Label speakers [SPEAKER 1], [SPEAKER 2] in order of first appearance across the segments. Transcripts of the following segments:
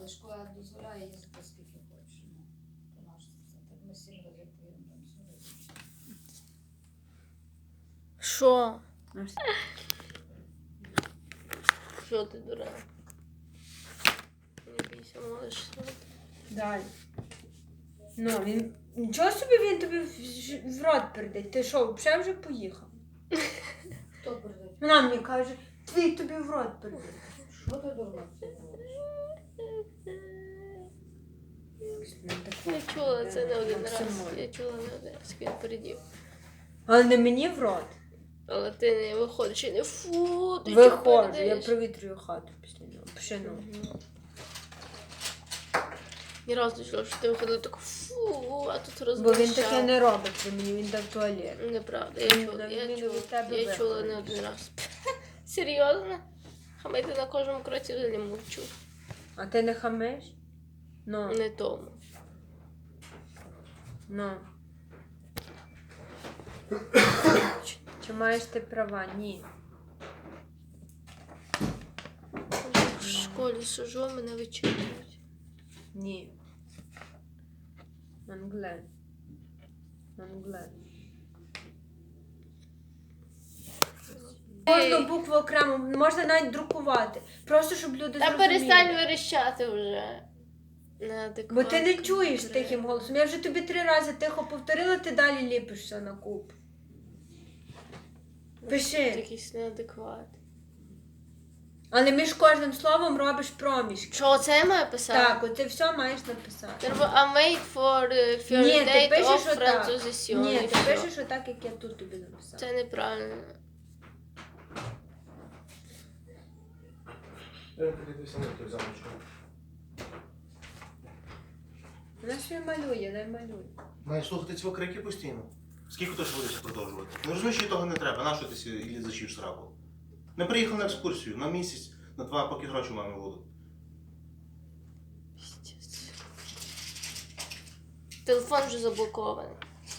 [SPEAKER 1] але школа дозволяє їздити скільки хочеш. Ну, то наш це. Так ми 7 разів поїдемо там сюди.
[SPEAKER 2] Що? Що ти, дура? Не бійся, можеш.
[SPEAKER 3] Далі. Ну, він... Нічого собі він тобі в рот передать. Ти що, взагалі вже поїхав?
[SPEAKER 1] Хто передає?
[SPEAKER 3] Вона мені каже, твій тобі в рот передать.
[SPEAKER 1] Що ти дурна?
[SPEAKER 2] Я чула це не один раз. Я чула не один раз, як він передів.
[SPEAKER 3] Але не мені в рот.
[SPEAKER 2] Але ти не виходиш і не фу, ти
[SPEAKER 3] Виходжу,
[SPEAKER 2] чого
[SPEAKER 3] я
[SPEAKER 2] передаєш?
[SPEAKER 3] провітрюю хату після нього. Пшену.
[SPEAKER 2] Ні разу не чула, що ти виходила так фу, а тут
[SPEAKER 3] Бо
[SPEAKER 2] розмовляв.
[SPEAKER 3] він таке не робить при мені, він дав туалет.
[SPEAKER 2] Неправда, я
[SPEAKER 3] Він
[SPEAKER 2] чула,
[SPEAKER 3] від тебе
[SPEAKER 2] я чула не
[SPEAKER 3] виходить.
[SPEAKER 2] один раз. Серйозно? Хамити на кожному кроці взагалі мовчу.
[SPEAKER 3] А ти не хамиш? Ну,
[SPEAKER 2] Не тому.
[SPEAKER 3] ну. Чи маєш ти права? Ні.
[SPEAKER 2] В школі сижу, мене вичитують.
[SPEAKER 3] Ні. Англе. Англе. Кожну букву окремо, можна навіть друкувати. Просто, щоб люди
[SPEAKER 2] Та
[SPEAKER 3] зрозуміли.
[SPEAKER 2] перестань верещати вже.
[SPEAKER 3] Бо ти не чуєш тихим голосом. Я вже тобі 3 рази тихо повторила, ти далі ліпишся на куб. Пиши.
[SPEAKER 2] Якийсь неадекват.
[SPEAKER 3] Але між кожним словом робиш проміжки.
[SPEAKER 2] Що, це я маю писати?
[SPEAKER 3] Так, от ти все маєш написати.
[SPEAKER 2] Треба I made for
[SPEAKER 3] Ні, ти
[SPEAKER 2] date
[SPEAKER 3] пишеш
[SPEAKER 2] of
[SPEAKER 3] отак.
[SPEAKER 2] Franzosission.
[SPEAKER 3] Ні, ти пишеш отак, як я тут тобі написала.
[SPEAKER 2] Це неправильно.
[SPEAKER 4] Я подивився на той замочку.
[SPEAKER 3] Вона ще й малює, не малює.
[SPEAKER 4] Маєш слухати ці крики постійно. Скільки ти ж будеш продовжувати? Не розумієш, що того не треба. Нащо ти сі зачів сраку? Ми приїхали на екскурсію на місяць, на 2, поки гроші у мами будуть.
[SPEAKER 2] Пиздець. Телефон вже заблокований.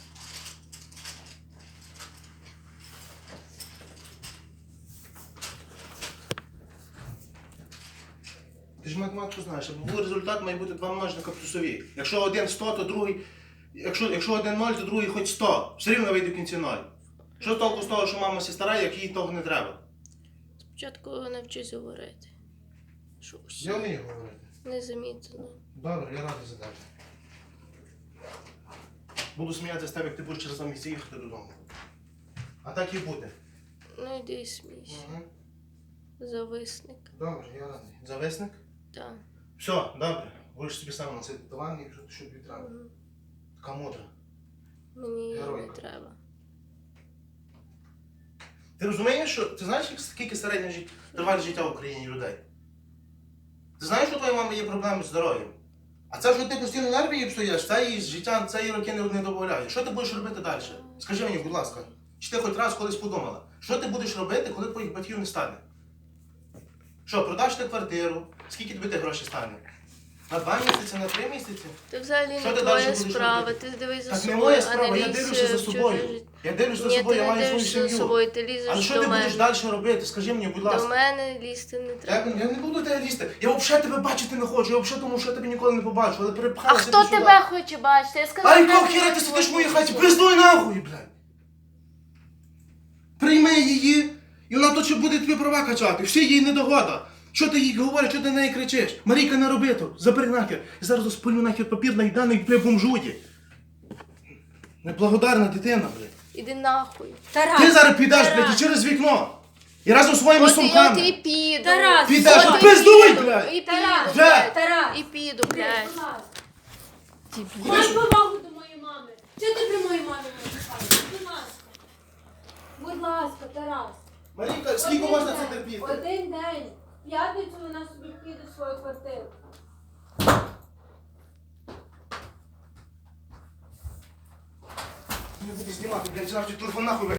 [SPEAKER 4] Ти ж математику знаєш, аби був результат, має бути 2 множника плюсові. Якщо один 100, то другий... Якщо один 0, то другий хоч 100. Все рівно вийде в кінці 0. Що толку з того, що мама сі старає, як їй того не треба?
[SPEAKER 2] Спочатку навчись говорити. Що усі
[SPEAKER 4] Я вмію говорити.
[SPEAKER 2] незамітно.
[SPEAKER 4] Добре, я радий за тебе. Буду сміятися з тебе, як ти будеш через 2 місяці їхати додому. А так і буде.
[SPEAKER 2] Ну йди і смійся.
[SPEAKER 4] Угу.
[SPEAKER 2] Зависник.
[SPEAKER 4] Добре, я радий. Зависник?
[SPEAKER 2] Так.
[SPEAKER 4] Все, добре. Будеш собі сам на цей диван, якщо що тобі треба. Така мудра.
[SPEAKER 2] Мені її не
[SPEAKER 4] Геройка.
[SPEAKER 2] треба.
[SPEAKER 4] Ти розумієш, що ти знаєш, скільки середня тривалість життя в Україні людей? Ти знаєш, що у твоєї мами є проблеми з здоров'ям? А це, що ти постійно нерви їй псуєш, це її життя, це її роки не додає. Що ти будеш робити далі? Скажи мені, будь ласка, чи ти хоч раз колись подумала, що ти будеш робити, коли твоїх батьків не стане? Що, продаш ти квартиру? Скільки тобі тих грошей стане? На 2 місяці, на 3 місяці?
[SPEAKER 2] Це взагалі
[SPEAKER 4] Що
[SPEAKER 2] не
[SPEAKER 4] ти
[SPEAKER 2] твоя
[SPEAKER 4] далі будеш
[SPEAKER 2] справа.
[SPEAKER 4] робити?
[SPEAKER 2] Ти дивись за
[SPEAKER 4] Так не
[SPEAKER 2] собою,
[SPEAKER 4] моя
[SPEAKER 2] а
[SPEAKER 4] справа,
[SPEAKER 2] не
[SPEAKER 4] я
[SPEAKER 2] лізь
[SPEAKER 4] дивлюся за
[SPEAKER 2] в чуже
[SPEAKER 4] собою.
[SPEAKER 2] життя.
[SPEAKER 4] Я дивлюся за
[SPEAKER 2] Ні,
[SPEAKER 4] собою,
[SPEAKER 2] ти
[SPEAKER 4] я
[SPEAKER 2] не
[SPEAKER 4] маю свою
[SPEAKER 2] дивишся за
[SPEAKER 4] сім'ю.
[SPEAKER 2] собою, ти лізеш
[SPEAKER 4] Але що
[SPEAKER 2] до
[SPEAKER 4] ти будеш
[SPEAKER 2] мене.
[SPEAKER 4] далі робити? Скажи мені, будь
[SPEAKER 2] До
[SPEAKER 4] ласка.
[SPEAKER 2] мене лізти не треба.
[SPEAKER 4] Я не буду тебе лізти. Я взагалі тебе бачити не хочу. Я взагалі думав, що я тебе ніколи не побачу, але
[SPEAKER 2] А
[SPEAKER 4] перепхалася
[SPEAKER 2] хто
[SPEAKER 4] ти сюди.
[SPEAKER 2] тебе хоче бачити? Я сказала,
[SPEAKER 4] А
[SPEAKER 2] що
[SPEAKER 4] якого
[SPEAKER 2] я
[SPEAKER 4] хіра
[SPEAKER 2] не
[SPEAKER 4] ти сидиш в моїй
[SPEAKER 2] хочу.
[SPEAKER 4] хаті? Пиздуй нахуй, блядь! Прийми її, і вона тут ще буде тобі права качати. Всі їй недогода. Що ти їй говориш, що ти на неї кричиш? Марійка, не роби то. Забери нахер. Я зараз розпалю нахер папір на їданий, бля, бомжуді. Неблагодарна дитина, блядь.
[SPEAKER 2] Іди нахуй.
[SPEAKER 3] Тарас!
[SPEAKER 4] Ти зараз підеш,
[SPEAKER 3] Тарас!
[SPEAKER 4] блядь, і через вікно. І разом з своїми
[SPEAKER 2] От я
[SPEAKER 4] сумками.
[SPEAKER 2] і піду.
[SPEAKER 3] Тарас!
[SPEAKER 4] Підеш,
[SPEAKER 2] От
[SPEAKER 4] от
[SPEAKER 2] і
[SPEAKER 4] пиздуй,
[SPEAKER 2] піду,
[SPEAKER 4] блядь!
[SPEAKER 2] І піду,
[SPEAKER 3] Тарас!
[SPEAKER 2] блядь.
[SPEAKER 3] Тарас!
[SPEAKER 2] І піду, блядь.
[SPEAKER 3] Будь ласка.
[SPEAKER 2] Дебіл.
[SPEAKER 3] Май повагу до моєї мами. Чого ти при моїй мамі не чекаєш? Будь ласка. Будь ласка, Тарас.
[SPEAKER 4] Марійка, скільки можна це терпіти?
[SPEAKER 3] Один день. В п'ятницю вона собі піде в свою квартиру.
[SPEAKER 4] Не буду знімати, блядь, завжди телефон нахуй.